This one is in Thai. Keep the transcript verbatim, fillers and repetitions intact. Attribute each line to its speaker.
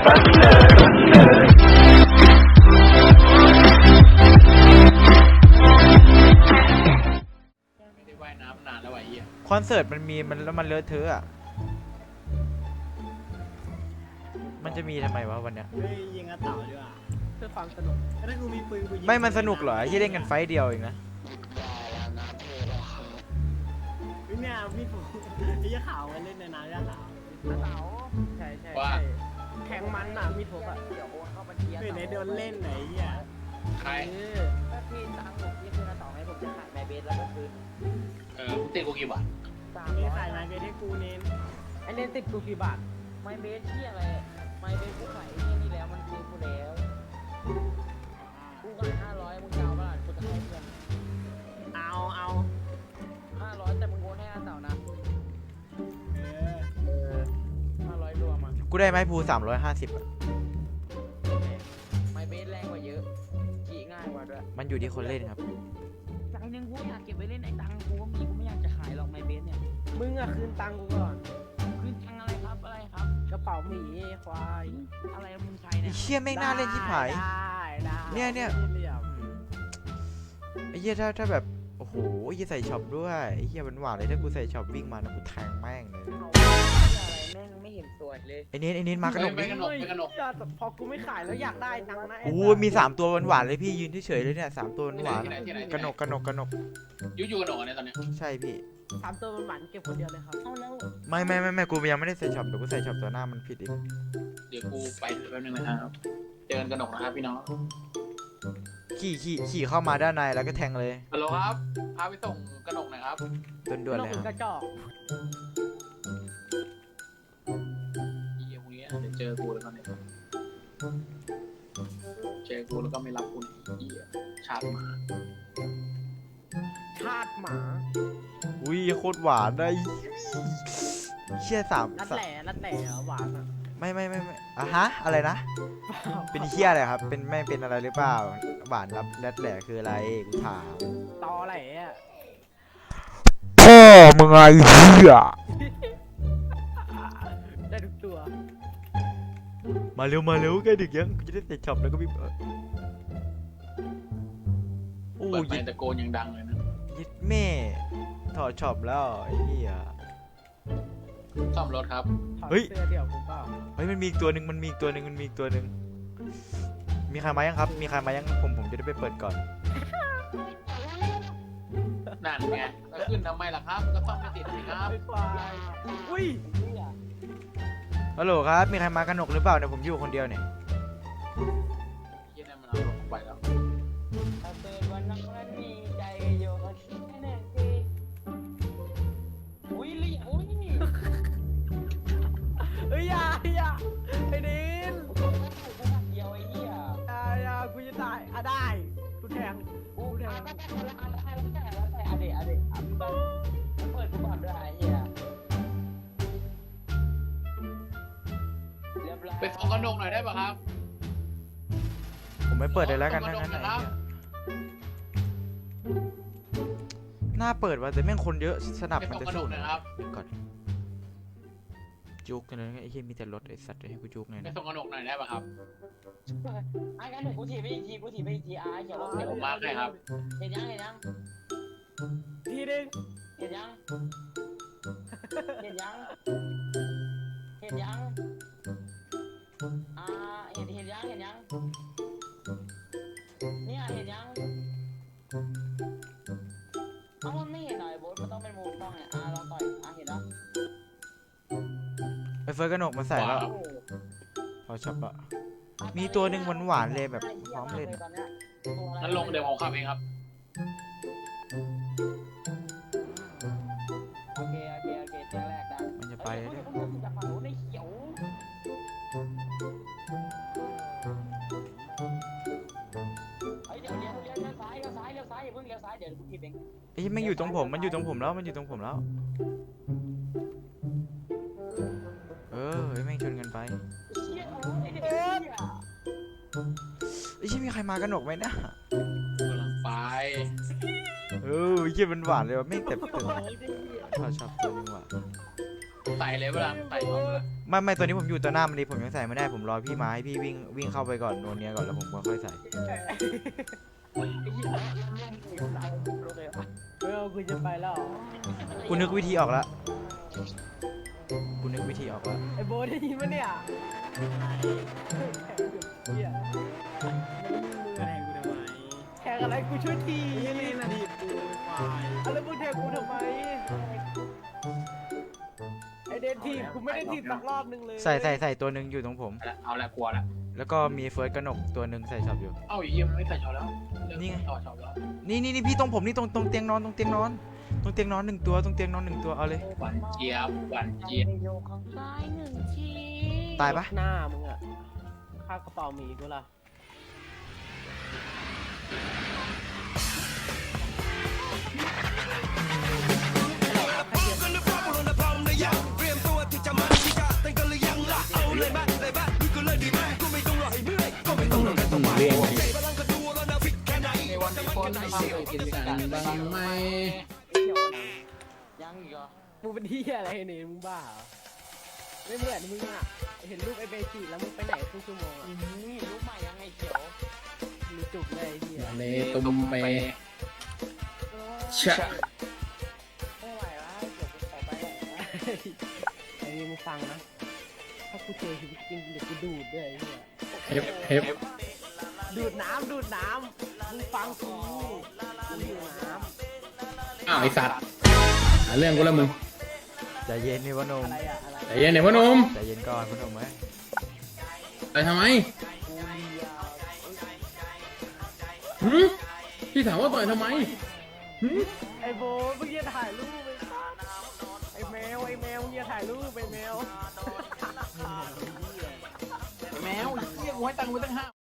Speaker 1: ไม่ได้ว่ายน้ำนานแล้วไอ้เหี้ย
Speaker 2: คอนเสิร์ตมันมีมันแล้วมันเลอะเทอะอ่ะมันจะมีทำไมวะวันเนี้ย
Speaker 3: เฮ้ยยิงกระเต่าดีกว่าเพื่อความสนุกถ้ากูมีปืนกูยิง
Speaker 2: ไม่มันสนุกเหรอที่เล่นกันไฟต์เดียวเองนะ
Speaker 3: เนี่ยพี่ผมไอ้ยาขาวมันเล่นในน้ำยาขาว
Speaker 4: กระเต๋าใช่ใช่ใช่แข่งมันน่ะมีทุกอ่ะเดี๋ยวโอนเข้าบัญชี
Speaker 3: ไม่ได้โดนเล่นไหนเหี้ย
Speaker 1: ใคร
Speaker 4: ถ้าพี่ตังค์ผมพี่คือกระเต๋าให้ผมจะขายแมเบสแล้วก็คืน
Speaker 1: เออมึงติดกูกี่บาท
Speaker 4: สาม
Speaker 3: มี
Speaker 4: ร้อย
Speaker 3: ขายไม้เบสให้กูเน้น
Speaker 4: ไอเล่นติดกูกี่บาทไมเบสที่อะไรไมเบสกูขายไอ้นี่นี่แล้วมันซื้อกูแล้วกูขายห้าร้อยมึงจะเอาเปล่ากูจะให้เพื่อน
Speaker 3: เอาเอา
Speaker 4: ห้าร้อยแต่มึงโอนให้กระเต๋านะ
Speaker 3: เออ
Speaker 4: เออห้าร้อยรวมอ่ะ
Speaker 2: กูได้ไม้ภูสามร้อยห้าสิบอ่ะ
Speaker 4: ไมเบสแรงกว่าเยอะขี่ง่ายกว่าด้วย
Speaker 2: มันอยู่ที่คนเล่นครับ
Speaker 4: ตังค์นึงกูอยากเก็บไว้เล่นไอ้ตังค์กูก็มีกูไม่อยากจะขายหรอกไมเบสเนี่ยมึงอะคืนตังค์กูก่อนคืนตังค์อะไรครับอะไรครับกระเป๋าหมีควายอะไรมึงใช้
Speaker 2: ไอ้
Speaker 4: เนี่ย
Speaker 2: เชี่ยแม่งน่าเล่นชิบหาย
Speaker 3: ได้ได้
Speaker 2: เนี่ยเนี่ย
Speaker 3: เหลี่ยม
Speaker 2: ไอ้เหี้ยถ้าถ้าแบบโอ้โหไอ้เหี้ยใส่ช็อปด้วยไอ้เหี้ยหวานๆเลยถ้ากูใส่ช็อปวิ่งมานะกูแทงแม่งเลย
Speaker 4: อะไรแม่งไม่เห็นสวยเลย
Speaker 2: ไอ้เน้นไอ้เน้นมากระหนก
Speaker 1: ไม่
Speaker 2: ดิ
Speaker 1: กระหนกไม่กระหนก
Speaker 4: พอกูไม่ขายแล้วอยากได้ตังค์นะ
Speaker 2: โอ้ยมีสามตัวหวานๆเลยพี่ยืนเฉยๆเลยเนี่ยสามตัวหวาน
Speaker 1: ที่ไหนที่ไหน
Speaker 2: ๆกระหนกกระหนกกระหนก
Speaker 1: ยูยูกระหนกเนี่ยตอนเนี้ย
Speaker 2: ใช่พี่
Speaker 4: สามตัวมันหวานเก็บคนเดียวเลยครับเอาแล้ว
Speaker 2: ไม่ไม่ไม่ไม่กูยังไม่ได้ใส่ช็อปเดี๋ยวกูใส่ช็อปตัวหน้ามันผิดอีก
Speaker 1: เดี๋ยวกูไปแป๊บนึงนะครับเจอกันกระหนกนะครับพี่น้อง
Speaker 2: ขี่ขี่ขี่เข้ามาด้านในแล้วก็แทงเลย
Speaker 1: ฮัลโหลครับพาไปส่งกระหนกหน่อยครับ
Speaker 2: ด่วนๆเลย
Speaker 4: ก
Speaker 2: ค
Speaker 4: ก
Speaker 2: รับ
Speaker 4: ระจอก
Speaker 1: เหี้ยพวกนี้เดี๋ยวเจอกูแล้วก็เนี่ยเจอกูแล้วก็ไม่รับกูเหี้ยชาติหมา
Speaker 4: ชาติหมา
Speaker 2: อุ้ยโคตรหวานได้เชี่ยสาม
Speaker 4: นัด
Speaker 2: สาม
Speaker 4: แหล่นัดแหล่หวานอ่ะ
Speaker 2: ไม่ไม่ไม่ไม่อ่ะฮะอะไรนะเป็นเชี่ยอะไรครับเป็นไม่เป็นอะไรหรือเปล่าหวานรับแรดแหล่คืออะไรกูถาม
Speaker 4: ตอแหล่อะ
Speaker 2: พ่อมึงไงเหี้ย
Speaker 4: ได้ทุกตัว
Speaker 2: มาเร็วมาเร็วใกล้ดึกยังกูจะได้ใส่ช็อปแล้วก็วิ่งโอ้
Speaker 1: เปิด
Speaker 2: ย
Speaker 1: ไปตะโกนยังดังเลยนะ
Speaker 2: ยิดแม่ถอดช็อปแล้วไอ้เหี้ย
Speaker 1: ซ่อมรถครับ
Speaker 4: ถอด
Speaker 2: เฮ้ย
Speaker 4: เสื้อเดี่ยวกูเปล่า
Speaker 2: เฮ้ยมันมีอีกตัวหนึ่งมันมีอีกตัวหนึ่งมันมีอีกตัวหนึ่งมีใครมายังครับมีใครมายังผมผมจะได้ไปเปิดก่อน
Speaker 1: นั่นไงก็ขึ้นทำไมล่ะครับ ก็ซ่อมไม่ติดสิครับ
Speaker 4: ไอ้ควายอุ้ย
Speaker 2: ฮัลโหลครับมีใครมากระหนกหรือเปล่าเนี่ยผมอยู่คนเดียวเนี่ย
Speaker 1: เหี้ยนั่นมันเอารถไปแล้ว
Speaker 4: ถ้าเกิดวันนั้นมันมีใจโยก็คิดแน่ๆสิอุ้ยลี่อุ้ยเฮ้ยอย่าอย่าไอ้ดินเดียวไอ้เหี้ยอย่าอย่ากูจะตายอ่ะได้กูแทงกูแทงอ่ะได้แล้วแต่แล้วแต่แล้วแต่อะเดะอะเดะอ่ะมึงต้องเปิดกูก่อนด้วยไอ้เหี้ยเรียบร้อย
Speaker 1: ไปส่งกระหนกหน่อยได้ป่ะครับ
Speaker 2: ผมไม่เปิดเลยแล้วกัน
Speaker 1: ส่ง
Speaker 2: นั่
Speaker 1: ก
Speaker 2: น
Speaker 1: ระห
Speaker 2: นั่น
Speaker 1: กหน่อยครับ
Speaker 2: หน้าเปิดว่ะแต่แม่งคนเยอะสนับ
Speaker 1: ไป
Speaker 2: มัน
Speaker 1: ส่ง
Speaker 2: จะ
Speaker 1: กระหน
Speaker 2: สู้
Speaker 1: กหน่อยครับ
Speaker 2: ก่อนจุกกันเลยไอ้เหี้ยมีแต่รถไอ้สัตว์ให้กูจุกไง
Speaker 1: ไป
Speaker 2: นะ
Speaker 1: ส่งกระหนกหน่อยได้ป่ะครับ
Speaker 4: ไอ้กันหนูกูถีบไปอีกทีกูถีบไปอีกทีอ่ะเขียว
Speaker 1: เดี๋ยวผมมาให้ครับ
Speaker 4: เห็นยังเห็นยัง
Speaker 3: ทีนึง
Speaker 4: เห็นยังเห็นยังเห็นยังอ่าเห็นเห็นยังเห็นยังเนี่ยเห็นยังเอ้ามันไม่เห็นหน่อยโบ๊ทมันต้องเป็นมุมกล้องเนี่ยอ่าลองต่อยอ่ะเห็นแล้ว
Speaker 2: ไอ้เฟิร์สกระหนกมาใส่แล้ว
Speaker 1: ว้าว
Speaker 2: พอช็อปอะมีตัวหนึ่งหวานๆเลยแบบพร้อมเล่น
Speaker 4: ตอนเนี้ย
Speaker 1: งั้นลงเดี๋ยวผมขับเองครับ
Speaker 4: โอเคโอเคโอเคเจ้าแรกได้
Speaker 2: มันจะไปแล้ว
Speaker 4: เอ้
Speaker 2: เนี่ย ย
Speaker 4: เดี๋ยวจะฝั่งนู้นได้เขียวเฮ้ยเดี๋ยวเดี๋ยวเลี้ยวเลี้ยวซ้ายเลี้ยวซ้ายเลี้ยวซ้ายอย่าเพิ่งเลี้ยวซ้ายเดี๋ยวกูถีบเอง
Speaker 2: ไอ้เหี้ยแม่งอยู่ตรงผมมันอยู่ตรงผมแล้วมันอยู่ตรงผมแล้วเออไอ้แม่งชนกันไป
Speaker 4: เชี่ยโอ้ยไอ้เด็กเชี่ย
Speaker 2: ไอ้เหี้ยมีใครมากระหนกไหมนะ
Speaker 1: กำลังไป
Speaker 2: เออไอ้เหี้ยมันหวานเลยว่ะแม่งแต่แต่
Speaker 4: โอ้ยไอ้เหี้ย
Speaker 2: พอช็อปตัวนึงว่ะ
Speaker 1: ใส่เลยเวลาใส่เขาเลย
Speaker 2: ไไม่ไม่ตัวนี้ผมอยู่ตัวหน้ามันดีผมยังใส่ไม่ได้ผมรอพี่มาให้พี่วิ่งวิ่งเข้าไปก่อนโนเนียก่อนแล้วผมก็ค่อยใส่
Speaker 4: เออกูจะไปแล้ว
Speaker 2: กูนึกวิธีออกแล้วกูนึกวิธีออกแล้ว
Speaker 4: ไอ้โบได้ยินปะเนี่ยเฮีย
Speaker 3: แทงกูทำไม
Speaker 4: แข่งอะไรกูช่วยที
Speaker 3: ไอ้เล่นอดีตกูควาย
Speaker 4: อะไรมึงแทงกูทำไมไอเดนทีมกูไม่ได้ทีมสักรอบนึงเลย
Speaker 2: ใส่ใส่ใส่ตัวหนึ่งอยู่ตรงผม
Speaker 1: เอาละกลัวละ
Speaker 2: แล้วก็มีเฟิร์สกระหนกตัวหนึ่งใส่ช็อปอยู่
Speaker 1: เอ้าไอ้เหี้ยมันไม่ใส่ช็อปแล้ว
Speaker 2: นี่ไง
Speaker 1: ต่อช็อปแล้ว
Speaker 2: นี่นี่นี่พี่ตรงผมนี่ตรงตรงเตียงนอนตรงเตียงนอนตรงเตียงนอนหนึ่งตัวตรงเตียงนอนหนึ่งตัวเอาเลย
Speaker 1: หวานเจี๊ยบหวานเจี๊ยบ
Speaker 5: ได้หนึ่งที
Speaker 2: ตายปะ
Speaker 4: หน้ามึงอะค่ากระเป๋าหมีกูล่ะ
Speaker 1: ในวันที่คนทำเลยกินกันบ้างไหม
Speaker 5: ยังอีกเหรอ
Speaker 4: มึงเป็นที่อะไรเนี่ยมึงบ้าเหรอไม่เหมือนมึงอะเห็นรูปไอเบจิแล้วมึงไปไหนครึ่งชั่วโมงอะ
Speaker 5: อืมรู้ใหม่ยังไงเขียว
Speaker 4: มีจุกเลยไอ้เฮีย
Speaker 1: เลตุมเปชะ
Speaker 5: ไม่ไหวแล้วเดี๋ยวกูขอไปแล้วนะ
Speaker 4: ไอ้นี่มึงฟังนะถ้ากูเจอชีวิตจริงเดี๋ยวกูดูดด้วยไอ้เฮีย
Speaker 1: เฮฟเฮฟ
Speaker 4: ดูดน้ำดูดน้ำมึงฟังกูมึงดูดน้
Speaker 1: อ้าวไอสัตว์หาเรื่องกูแล้วมึง
Speaker 2: ใจเย็นนี่วะหนม
Speaker 4: ำอะไรอะอะไร
Speaker 1: ใจเย็นเนี่ยพ่อหนุ่ม
Speaker 2: ใจเย็นก่อนพนมไหม
Speaker 1: ไปทำไมหืมพี่ถามว่าต่อยทำไมหืม
Speaker 4: ไอ้โบมึงอย่าถ่ายรูปไปไอ้แมวไอ้แมวมึงอย่าถ่ายรูปไปแมว
Speaker 1: แมวเรียกกูให้ตังค์กูตั้งห้า